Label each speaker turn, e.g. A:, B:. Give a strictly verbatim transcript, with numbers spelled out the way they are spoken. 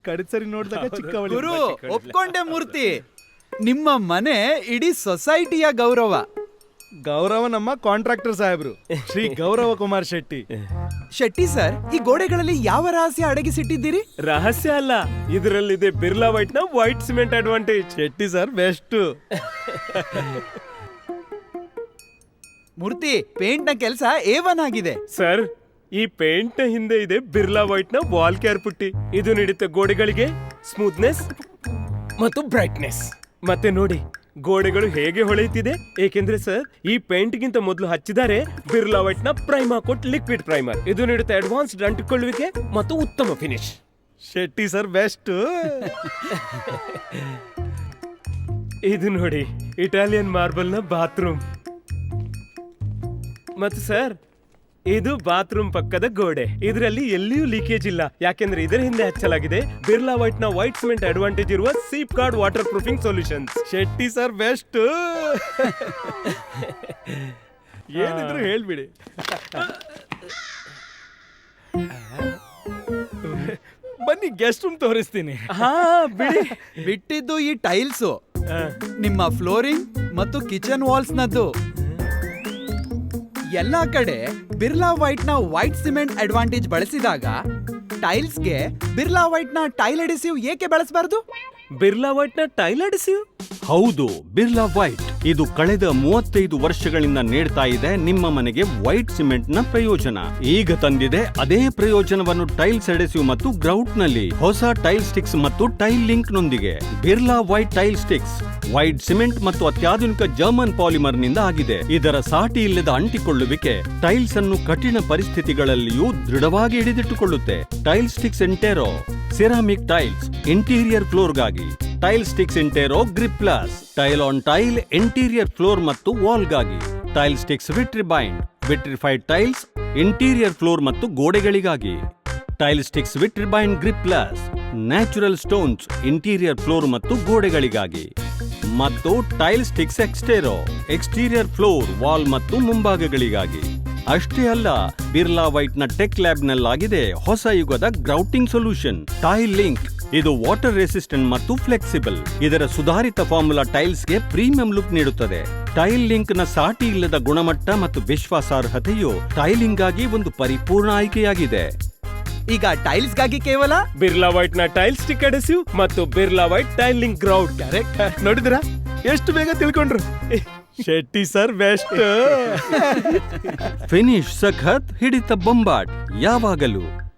A: ಕಡಿಸರಿ ನೋಡಿದಾಗ ಚಿಕ್ಕವಳಿ.
B: ಗುರು ಒಪ್ಕೊಂಡೆ ಮೂರ್ತಿ, ನಿಮ್ಮ ಮನೆ ಇಡೀ ಸೊಸೈಟಿಯ ಗೌರವ.
A: ಗೌರವ ನಮ್ಮ ಕಾಂಟ್ರಾಕ್ಟರ್ ಸಾಹೇಬ್ರು ಶ್ರೀ ಗೌರವ ಕುಮಾರ್ ಶೆಟ್ಟಿ.
B: ಶೆಟ್ಟಿ ಸರ್, ಈ ಗೋಡೆಗಳಲ್ಲಿ ಯಾವ ರಹಸ್ಯ ಅಡಗಿಸಿಟ್ಟಿದ್ದೀರಿ?
C: ರಹಸ್ಯ ಅಲ್ಲ, ಇದರಲ್ಲಿದೆ ಬಿರ್ಲಾ ವೈಟ್ ನ white cement advantage.
A: Shetty sir best.
B: Murthy, paint ನ ಕೆಲಸ ಏವನ್ ಆಗಿದೆ.
C: ಸರ್, ಈ ಪೇಂಟ್ ನ ಹಿಂದೆ ಇದೆ ಬಿರ್ಲಾ ವೈಟ್ ನ ವಾಲ್ ಕೇರ್ ಪುಟ್ಟಿ. ಇದು ನೀಡುತ್ತೆ ಗೋಡೆಗಳಿಗೆ ಸ್ಮೂತ್ನೆಸ್ ಮತ್ತು ಬ್ರೈಟ್ನೆಸ್. ಮತ್ತೆ ನೋಡಿ ಗೋಡೆಗಳು ಹೇಗೆ ಹೊಳೆಯುತ್ತಿದೆ, ಏಕೆಂದ್ರೆ ಸರ್ ಈ ಪೇಂಟ್ ಗಿಂತ ಮೊದಲು ಹಚ್ಚಿದ್ದಾರೆ ಬಿರ್ಲಾ ವೈಟ್ ನ ಪ್ರೈಮಾ ಕೋಟ್ ಲಿಕ್ವಿಡ್ ಪ್ರೈಮರ್. ಇದು ನೀಡುತ್ತೆ ಅಡ್ವಾನ್ಸ್ಡ್ ಅಂಟಿಕೊಳ್ಳುವಿಕೆ ಮತ್ತು ಉತ್ತಮ ಫಿನಿಶ್.
A: Shetty sir best.
C: ಇದು ನೋಡಿ ಇಟಾಲಿಯನ್ ಮಾರ್ಬಲ್ ನ ಬಾತ್ರೂಮ್. ಮತ್ತು ಸರ್ ಇದು ಬಾತ್ರೂಮ್ ಪಕ್ಕದ ಗೋಡೆ. ಇದರಲ್ಲಿ ಎಲ್ಲಿಯೂ ಲೀಕೇಜ್ ಇಲ್ಲ, ಯಾಕೆಂದ್ರೆ ಇದರ ಹಿಂದೆ ಹಚ್ಚಲಾಗಿದೆ ಬಿರ್ಲಾ ವೈಟ್ ನ ವೈಟ್ ಸಿಮೆಂಟ್ ಅಡ್ವಾಂಟೇಜ್ ಇರುವ seep guard water proofing solutions.
A: Shetty sir best. ಏನಿದ್ರು ಹೇಳ್ಬಿಡಿ. ಬನ್ನಿ ಗೆಸ್ಟ್ ರೂಮ್ ತೋರಿಸ್ತೀನಿ.
C: ಹಾ ಬಿಡಿ.
B: ಬಿಟ್ಟಿದ್ದು ಈ ಟೈಲ್ಸು, ನಿಮ್ಮ ಫ್ಲೋರಿಂಗ್ ಮತ್ತು ಕಿಚನ್ ವಾಲ್ಸ್ ನದ್ದು. ಎಲ್ಲಾ ಕಡೆ ಬಿರ್ಲಾ ವೈಟ್ ನ ವೈಟ್ ಸಿಮೆಂಟ್ ಅಡ್ವಾಂಟೇಜ್ ಬಳಸಿದಾಗ ಟೈಲ್ಸ್ಗೆ ಬಿರ್ಲಾ ವೈಟ್ ನ ಟೈಲ್ ಅಡಿಸಿವ್ ಏಕೆ ಬಳಸಬಾರದು?
C: ಬಿರ್ಲಾ ವೈಟ್ ನ ಟೈಲ್ ಅಡಿಸಿವ್?
D: ಹೌದು, ಬಿರ್ಲಾ ವೈಟ್ ಇದು ಕಳೆದ ಮೂವತ್ತೈದು ವರ್ಷಗಳಿಂದ ನೀಡ್ತಾ ಇದೆ ನಿಮ್ಮ ಮನೆಗೆ ವೈಟ್ ಸಿಮೆಂಟ್ ನ ಪ್ರಯೋಜನ. ಈಗ ತಂದಿದೆ ಅದೇ ಪ್ರಯೋಜನವನ್ನು ಟೈಲ್ಸ್ ಅಡೆಸಿವ್ ಮತ್ತು ಗ್ರೌಟ್ ನಲ್ಲಿ ಹೊಸ ಟೈಲ್ ಸ್ಟಿಕ್ಸ್ ಮತ್ತು ಟೈಲ್ ಲಿಂಕ್ ನೊಂದಿಗೆ. Birla white tile sticks white cement ಮತ್ತು ಅತ್ಯಾಧುನಿಕ ಜರ್ಮನ್ ಪಾಲಿಮರ್ ನಿಂದ ಆಗಿದೆ. ಇದರ ಸಾಟಿ ಇಲ್ಲದ ಅಂಟಿಕೊಳ್ಳುವಿಕೆ ಟೈಲ್ಸ್ ಅನ್ನು ಕಠಿಣ ಪರಿಸ್ಥಿತಿಗಳಲ್ಲಿಯೂ ದೃಢವಾಗಿ ಹಿಡಿದಿಟ್ಟುಕೊಳ್ಳುತ್ತೆ. Tile sticks intero ceramic tiles interior floor ಗಾಗಿ. Tile sticks intero grip plus tile on tile interior floor ಮತ್ತು ವಾಲ್ ಗಾಗಿ. Tile sticks vitribond vitrified tiles interior floor ಮತ್ತು ಗೋಡೆಗಳಿಗಾಗಿ. Tile sticks vitribond grip plus natural stones interior floor ಮತ್ತು ಗೋಡೆಗಳಿಗಾಗಿ. ಮತ್ತು tile sticks extero exterior floor wall ಮತ್ತು ಮುಂಭಾಗಗಳಿಗಾಗಿ. ಅಷ್ಟೇ ಅಲ್ಲ, ಬಿರ್ಲಾ ವೈಟ್ ನ ಟೆಕ್ ಲ್ಯಾಬ್ ನಲ್ಲಾಗಿದೆ ಹೊಸ ಯುಗದ ಗ್ರೌಟಿಂಗ್ ಸೊಲ್ಯೂಷನ್ ಟೈಲ್ ಲಿಂಕ್. ಇದು ವಾಟರ್ ರೆಸಿಸ್ಟೆಂಟ್ ಮತ್ತು ಫ್ಲೆಕ್ಸಿಬಲ್. ಇದರ ಸುಧಾರಿತ ಫಾರ್ಮುಲಾ ಟೈಲ್ಸ್ಗೆ ಪ್ರೀಮಿಯಂ ಲುಕ್ ನೀಡುತ್ತದೆ. ಟೈಲ್ ಲಿಂಕ್ ನ ಸಾಟಿ ಇಲ್ಲದ ಗುಣಮಟ್ಟ ಮತ್ತು ವಿಶ್ವಾಸಾರ್ಹತೆಯು ಟೈಲಿಂಗ್ ಗಾಗಿ ಒಂದು ಪರಿಪೂರ್ಣ ಆಯ್ಕೆಯಾಗಿದೆ.
B: ಈಗ ಟೈಲ್ಸ್ ಗಾಗಿ ಕೇವಲ
C: ಬಿರ್ಲಾ ವೈಟ್ ನ ಟೈಲ್ ಸ್ಟಿಕ್ ಅಡೆಸಿವ್ ಮತ್ತು Birla white tile link grout.
A: Correct. ನೋಡಿದ್ರಾ ಎಷ್ಟು ಬೇಗ ತಿಳ್ಕೊಂಡ್ರು. Shetty sir best.
D: ಫಿನಿಶ್ ಸಖತ್, ಹಿಡಿತ ಬೊಂಬಾಟ್ ಯಾವಾಗಲೂ.